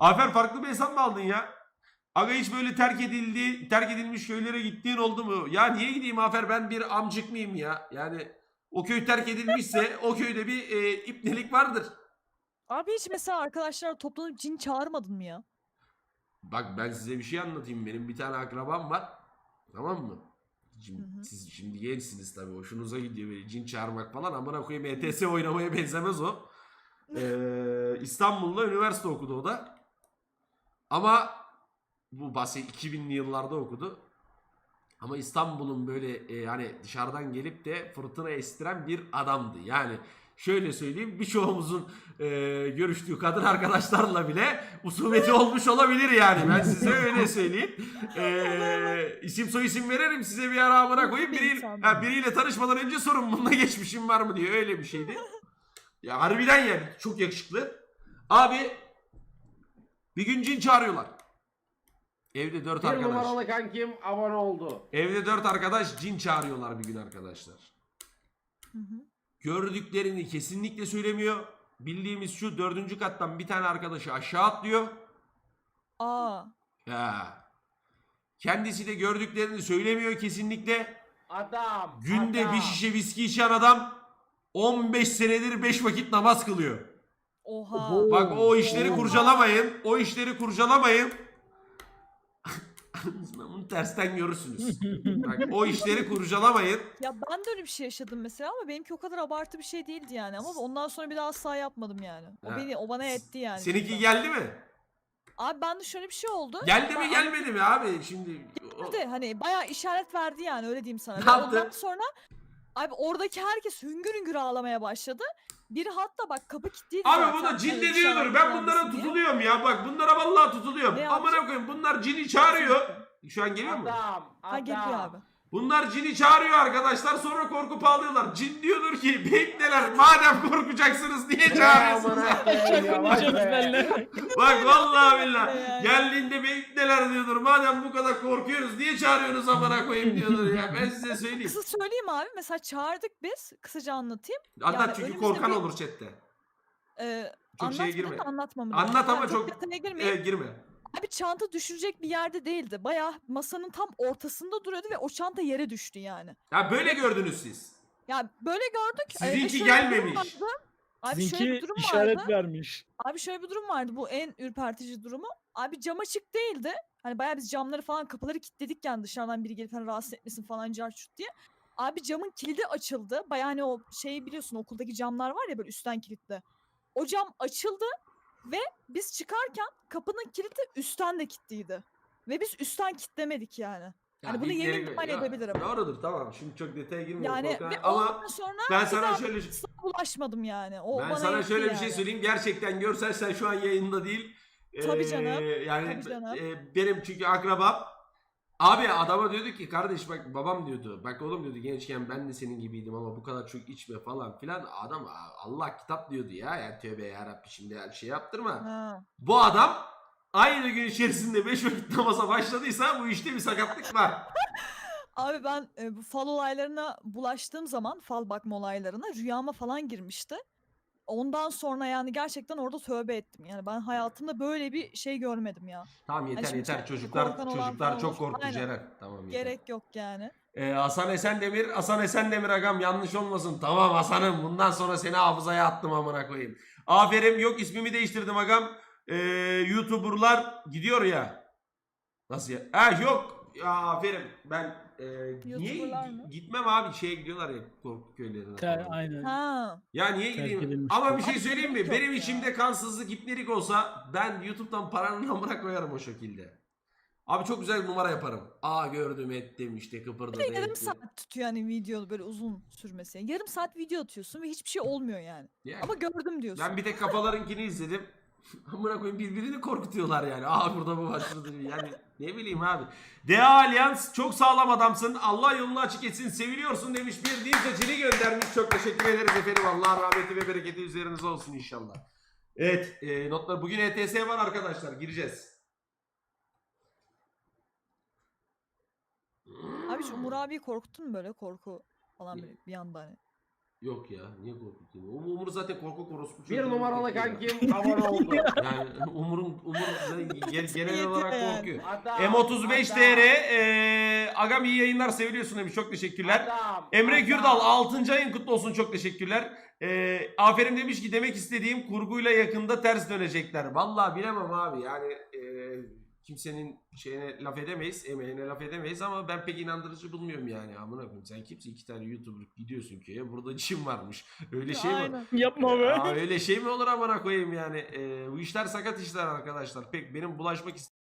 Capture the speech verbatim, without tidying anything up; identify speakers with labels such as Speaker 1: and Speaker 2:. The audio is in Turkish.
Speaker 1: Afer farklı bir hesap mı aldın ya? Aga hiç böyle terk edildi, terk edilmiş köylere gittiğin oldu mu? Ya niye gideyim Afer, ben bir amcık mıyım ya? Yani o köy terk edilmişse o köyde bir e, ipnelik vardır.
Speaker 2: Abi hiç mesela arkadaşlar toplanıp cin çağırmadın mı ya?
Speaker 1: Bak ben size bir şey anlatayım. Benim bir tane akrabam var. Tamam mı?
Speaker 2: Hı
Speaker 1: Şimdi,
Speaker 2: hı.
Speaker 1: siz şimdi gençsiniz tabii. Hoşunuza gidiyor böyle cin çağırmak falan. Amına koyayım, E T S oynamaya benzemez o. Ee, İstanbul'da üniversite okudu o da. Ama bu bahset iki binli yıllarda okudu. Ama İstanbul'un böyle e, hani dışarıdan gelip de fırtına estiren bir adamdı. Yani şöyle söyleyeyim, birçoğumuzun e, görüştüğü kadın arkadaşlarla bile usumeti olmuş olabilir yani. Ben size öyle söyleyeyim. E, isim soy isim veririm size, bir ara amına koyayım.
Speaker 2: Bir
Speaker 1: Biriyle,
Speaker 2: insan.
Speaker 1: ha, biriyle tanışmadan önce sorun bununla geçmişim var mı diye, öyle bir şeydi. Ya harbiden yani çok yakışıklı. Abi bir gün cin çağırıyorlar. Evde dört
Speaker 3: Bir
Speaker 1: arkadaş.
Speaker 3: numaralı kankim abone oldu.
Speaker 1: Evde dört arkadaş cin çağırıyorlar bir gün arkadaşlar.
Speaker 2: Hı hı.
Speaker 1: Gördüklerini kesinlikle söylemiyor. Bildiğimiz şu, dördüncü kattan bir tane arkadaşı aşağı atlıyor.
Speaker 2: Aa.
Speaker 1: Ya. Kendisi de gördüklerini söylemiyor kesinlikle.
Speaker 3: Adam.
Speaker 1: Günde
Speaker 3: adam.
Speaker 1: bir şişe viski içen adam on beş senedir beş vakit namaz kılıyor.
Speaker 2: Oha.
Speaker 3: Oho.
Speaker 1: Bak o işleri
Speaker 3: Oo.
Speaker 1: kurcalamayın. O işleri kurcalamayın. Bunu tersten görürsünüz. Bak o işleri kurcalamayın.
Speaker 2: Ya ben de öyle bir şey yaşadım mesela ama benimki o kadar abartı bir şey değildi yani. Ama ondan sonra bir daha asla yapmadım yani. O
Speaker 1: Ha.
Speaker 2: beni o bana etti yani.
Speaker 1: Seninki
Speaker 2: cidden.
Speaker 1: geldi mi?
Speaker 2: Abi bende şöyle bir şey oldu.
Speaker 1: Geldi
Speaker 2: Ben
Speaker 1: mi gelmedi mi abi? Şimdi o-
Speaker 2: anlattı. Hani bayağı işaret verdi yani, öyle diyeyim sana.
Speaker 1: Ne
Speaker 2: Ve
Speaker 1: yaptı?
Speaker 2: ondan sonra abi oradaki herkes hüngür hüngür ağlamaya başladı. Biri hatta bak kapı kilitliydi
Speaker 1: Abi
Speaker 2: zaten.
Speaker 1: bu da cin
Speaker 2: Hani
Speaker 1: de
Speaker 2: dışarıdan
Speaker 1: diyordur. Ben
Speaker 2: gelmesin
Speaker 1: bunlara
Speaker 2: diye.
Speaker 1: tutuluyorum ya. Bak bunlara vallahi tutuluyorum.
Speaker 2: Ne
Speaker 1: Amına
Speaker 2: yapacak?
Speaker 1: koyayım, bunlar cini çağırıyor. Şu an geliyor mu?
Speaker 3: Adam.
Speaker 2: Ha geliyor abi.
Speaker 3: Adam.
Speaker 1: Bunlar cini çağırıyor arkadaşlar, sonra korkup ağlıyorlar. Cin diyordur ki bekleler, madem korkacaksınız niye çağırıyorsunuz? Bak vallahi billahi
Speaker 2: Yani.
Speaker 1: geldiğinde bekleler diyordur. Madem bu kadar korkuyoruz niye çağırıyorsunuz amına koyayım diyordur ya. Ben size söyleyeyim.
Speaker 2: Kısa söyleyeyim abi. Mesela çağırdık biz. Kısaca anlatayım.
Speaker 1: Anlat
Speaker 2: Yani
Speaker 1: çünkü
Speaker 2: önümüzde
Speaker 1: korkan
Speaker 2: bir-
Speaker 1: olur chatte.
Speaker 2: Ee,
Speaker 1: Çok şeye
Speaker 2: anlatmadın
Speaker 1: girme.
Speaker 2: da anlatmamı
Speaker 1: Anlat
Speaker 2: diyorsun.
Speaker 1: ama
Speaker 2: Ha,
Speaker 1: çok
Speaker 2: detaya girmeyeyim.
Speaker 1: e, girme.
Speaker 2: Abi çanta düşürecek bir yerde değildi. Bayağı masanın tam ortasında duruyordu ve o çanta yere düştü yani.
Speaker 1: Ya böyle gördünüz siz.
Speaker 2: Ya böyle gördük. Ee, ve
Speaker 1: Sizinki
Speaker 2: şöyle bir durum
Speaker 1: gelmemiş.
Speaker 2: vardı. Abi şöyle
Speaker 4: Sizinki
Speaker 2: bir durum
Speaker 4: işaret
Speaker 2: vardı.
Speaker 4: vermiş.
Speaker 2: Abi şöyle bir durum vardı. Bu en ürpertici durumu. Abi cam açık değildi. Hani bayağı biz camları falan, kapıları kilitledik yani, dışarıdan biri gelip hani rahatsız etmesin falan carçurt diye. Abi camın kilidi açıldı. Bayağı hani o şeyi biliyorsun, okuldaki camlar var ya böyle üstten kilitli. O cam açıldı ve biz çıkarken kapının kilidi üstten de kilitliydi. Ve biz üstten kilitlemedik yani. Hani bunu
Speaker 1: ilkleri-
Speaker 2: yemin ihmal
Speaker 1: Ya,
Speaker 2: edebilirim.
Speaker 1: Doğrudur, tamam. Şimdi çok detaya girmiyorum.
Speaker 2: Yani
Speaker 1: korkan-
Speaker 2: ve
Speaker 1: Ama
Speaker 2: ondan sonra
Speaker 1: ben
Speaker 2: bir
Speaker 1: sana
Speaker 2: daha
Speaker 1: şöyle
Speaker 2: asla bulaşmadım yani. O
Speaker 1: ben
Speaker 2: bana
Speaker 1: sana
Speaker 2: yetti
Speaker 1: şöyle bir
Speaker 2: yani.
Speaker 1: şey söyleyeyim. Gerçekten görselsen şu an yayında değil.
Speaker 2: Tabii
Speaker 1: Ee,
Speaker 2: canım,
Speaker 1: Yani
Speaker 2: tabii canım.
Speaker 1: e, benim çünkü akrabam. Abi adama diyordu ki kardeş bak, babam diyordu. Bak oğlum diyordu, gençken ben de senin gibiydim ama bu kadar çok içme falan filan. Adam Allah kitap diyordu ya. Yani tövbe yarabbi, şimdi her şey yaptırma.
Speaker 2: Ha.
Speaker 1: Bu adam aynı gün içerisinde beş vakit namaza başladıysa bu işte bir sakatlık var.
Speaker 2: Abi ben e, bu fal olaylarına bulaştığım zaman, fal bakma olaylarına rüyama falan girmişti. Ondan sonra yani gerçekten orada tövbe ettim. Yani ben hayatımda böyle bir şey görmedim ya.
Speaker 1: Tamam yeter
Speaker 2: Hani şimdi
Speaker 1: yeter,
Speaker 2: çok
Speaker 1: çocuklar
Speaker 2: korkan olan
Speaker 1: çocuklar
Speaker 2: falan
Speaker 1: çok
Speaker 2: olur.
Speaker 1: korktu
Speaker 2: Aynen.
Speaker 1: Ceren. Tamam yeter.
Speaker 2: Gerek yok yani.
Speaker 1: Ee, Hasan Esendemir, Hasan Esendemir agam, yanlış olmasın. Tamam Hasan'ım, bundan sonra seni hafızaya attım amına koyayım. Aferin, yok ismimi değiştirdim agam. Ee, YouTuber'lar gidiyor ya. Nasıl ya? Ha yok. Ya aferin. Ben e, niye
Speaker 2: YouTuber'lar mı?
Speaker 1: gitmem abi, şeye gidiyorlar ya, korku köylerine
Speaker 4: Ter,
Speaker 1: falan.
Speaker 4: aynen.
Speaker 2: Ha.
Speaker 1: Ya niye
Speaker 4: Terk
Speaker 1: gideyim?
Speaker 4: edilmiş
Speaker 1: Ama
Speaker 4: köy.
Speaker 1: bir şey
Speaker 2: Abi
Speaker 1: söyleyeyim mi?
Speaker 2: gerek yok
Speaker 1: Benim
Speaker 2: ya.
Speaker 1: içimde kansızlık, ipnelik olsa ben YouTube'dan paranın amına koyarım o şekilde. Abi çok güzel bir numara yaparım. Aa gördüm ettim işte, kıpırdadı
Speaker 2: Bir de yarım
Speaker 1: etti.
Speaker 2: saat tutuyor yani video böyle uzun sürmesi. Yarım saat video atıyorsun ve hiçbir şey olmuyor yani.
Speaker 1: Yani
Speaker 2: Ama gördüm diyorsun.
Speaker 1: ben bir tek kafalarınkini izledim. Amına koyayım, birbirini korkutuyorlar yani. Aa burada bu var, şurada bir- yani ne bileyim abi. Dea Allianz, çok sağlam adamsın. Allah yolunu açık etsin. Seviliyorsun demiş, bir din seçili göndermiş. Çok teşekkür ederiz efendim. Allah rahmeti ve bereketi üzerinize olsun inşallah. Evet, e, notlar. Bugün E T S var arkadaşlar. Gireceğiz.
Speaker 2: Abi şu Umur abiyi korkuttun mu böyle, korku falan böyle bir anda hani?
Speaker 1: Yok ya niye korkutayım? Um- Umur zaten korkak orospu
Speaker 3: Bir
Speaker 1: çocuğu.
Speaker 3: numaralı
Speaker 1: Korkuyor.
Speaker 3: kankim abone oldu.
Speaker 1: Yani Umur'un Umur genel, genel
Speaker 2: Yetiyor
Speaker 1: olarak
Speaker 2: yani.
Speaker 1: korkuyor.
Speaker 3: Adam,
Speaker 1: M otuz beş
Speaker 3: adam,
Speaker 1: T R eee Agam iyi yayınlar seviliyorsun demiş. Çok teşekkürler.
Speaker 3: adam,
Speaker 1: Emre
Speaker 3: adam.
Speaker 1: Gürdal altıncı ayın kutlu olsun. Çok teşekkürler. Eee aferin demiş ki demek istediğim kurguyla yakında ters dönecekler. Vallahi bilemem abi. Yani eee, kimsenin şeyine laf edemeyiz. Emeğine laf edemeyiz ama ben pek inandırıcı bulmuyorum yani. Amına koyayım sen kimsin? iki tane YouTuber gidiyorsun köye. Burada Çin varmış. Öyle şey mi?
Speaker 2: Aynen.
Speaker 4: Yapma be.
Speaker 1: Aa, öyle şey mi olur amına koyayım yani. Eee, bu işler sakat işler arkadaşlar. Pek benim bulaşmak